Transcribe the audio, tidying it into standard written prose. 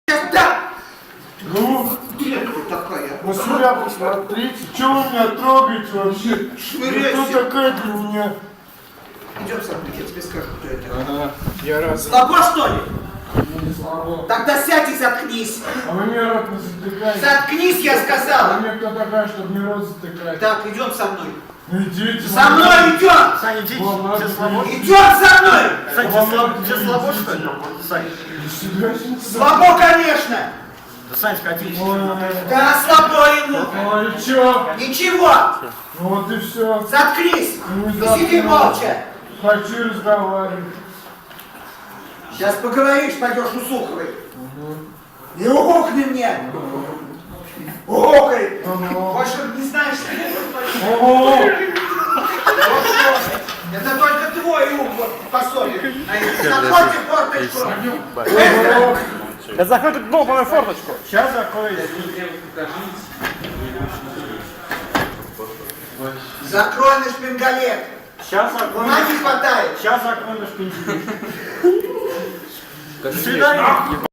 Да! Ну, Где ты такая? на себя посмотрите, что вы меня трогаете вообще? Швыряйся. Кто такая для меня? Идем со мной, я тебе скажу, кто это. Ага, я раз. Слабо, что ли? Не слабо. Тогда сядь и заткнись. А вы мне рот не затыкаете. Заткнись, я А сказала. мне кто такая, чтобы мне рот затыкать? Так, идем со мной. Ну идите. Со мной идем! Саня, идите, Ладно, все слабо. Идем со мной! Сань, тебе слабо, что ли? Сань, Слабо, конечно! да, Сань, сходи. Да, слабо ему! Ну и чё? Ничего! Ну вот и все. Заткнись! Ну, И сиди заткнул. молча! Хочу разговаривать. Сейчас поговоришь, пойдешь у Суховой. Не угукни мне! Угукай! Ага. Больше не знаешь, что Ого! это только твой ум вот посолит. Заходи в форточку! Быстро! Да заходи в новую форточку. Сейчас закрою. Закрой на шпингалет! Сейчас закрою. Ума не хватает! Сейчас закрою на шпиндель. До свидания.